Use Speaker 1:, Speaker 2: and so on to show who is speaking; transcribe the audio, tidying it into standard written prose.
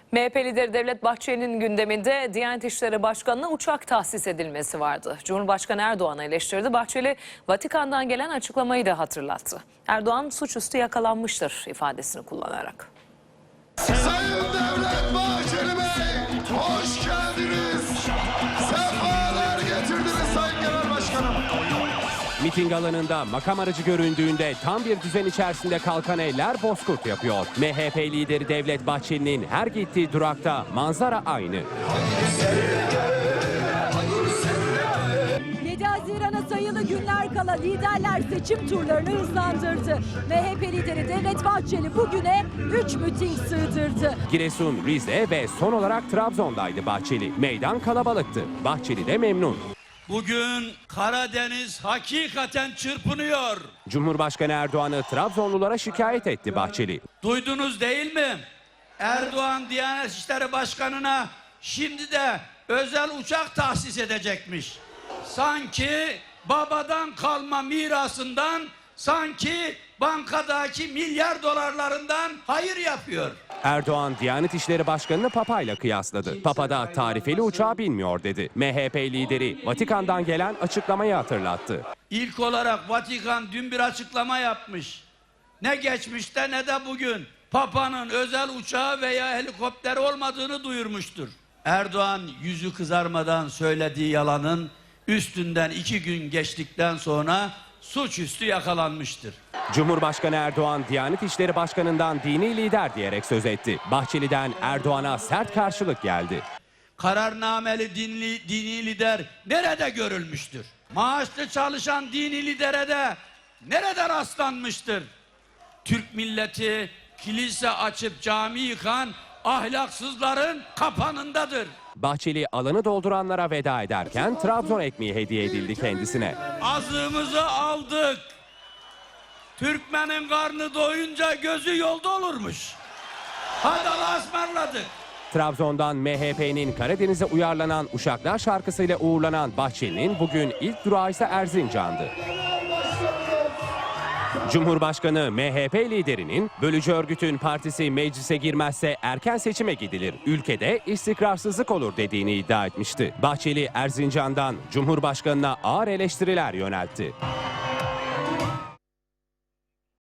Speaker 1: MHP lideri Devlet Bahçeli'nin gündeminde Diyanet İşleri Başkanı'na uçak tahsis edilmesi vardı. Cumhurbaşkanı Erdoğan'ı eleştirdi. Bahçeli, Vatikan'dan gelen açıklamayı da hatırlattı. Erdoğan suçüstü yakalanmıştır ifadesini kullanarak.
Speaker 2: Sayın Devlet Bahçeli Bey, hoş geldiniz. Sefalar getirdiniz Sayın Genel Başkanım.
Speaker 3: Miting alanında makam aracı göründüğünde tam bir düzen içerisinde kalkan eller bozkurt yapıyor. MHP lideri Devlet Bahçeli'nin her gittiği durakta manzara aynı.
Speaker 4: 7 Haziran'a sayılı günler kala liderler seçim turlarını hızlandırdı. MHP lideri Devlet Bahçeli bugüne 3 miting sığdırdı.
Speaker 3: Giresun, Rize ve son olarak Trabzon'daydı Bahçeli. Meydan kalabalıktı. Bahçeli de memnun.
Speaker 5: Bugün Karadeniz hakikaten çırpınıyor.
Speaker 3: Cumhurbaşkanı Erdoğan'ı Trabzonlulara şikayet etti Bahçeli.
Speaker 5: Duydunuz değil mi? Erdoğan Diyanet İşleri Başkanı'na şimdi de özel uçak tahsis edecekmiş. Sanki babadan kalma mirasından, sanki bankadaki milyar dolarlarından hayır yapıyor.
Speaker 3: Erdoğan Diyanet İşleri Başkanı'nı Papa'yla kıyasladı. Papa da tarifeli uçağa binmiyor dedi. MHP lideri Vatikan'dan gelen açıklamayı hatırlattı.
Speaker 5: İlk olarak Vatikan dün bir açıklama yapmış. Ne geçmişte ne de bugün Papa'nın özel uçağı veya helikopteri olmadığını duyurmuştur. Erdoğan yüzü kızarmadan söylediği yalanın üstünden 2 gün geçtikten sonra suçüstü yakalanmıştır.
Speaker 3: Cumhurbaşkanı Erdoğan Diyanet İşleri Başkanı'ndan dini lider diyerek söz etti. Bahçeli'den Erdoğan'a sert karşılık geldi.
Speaker 5: Kararnameli dini lider nerede görülmüştür? Maaşlı çalışan dini lidere de nerede rastlanmıştır? Türk milleti kilise açıp cami yıkan ahlaksızların kapanındadır.
Speaker 3: Bahçeli alanı dolduranlara veda ederken Trabzon ekmeği hediye edildi kendisine.
Speaker 5: Azığımızı aldık. Türkmenin karnı doyunca gözü yolda olurmuş. Hadi Allah'a ısmarladık.
Speaker 3: Trabzon'dan MHP'nin Karadeniz'e uyarlanan Uşaklar şarkısıyla uğurlanan Bahçeli'nin bugün ilk durağı ise Erzincan'dı. Cumhurbaşkanı MHP liderinin bölücü örgütün partisi meclise girmezse erken seçime gidilir, ülkede istikrarsızlık olur dediğini iddia etmişti. Bahçeli Erzincan'dan Cumhurbaşkanı'na ağır eleştiriler yöneltti.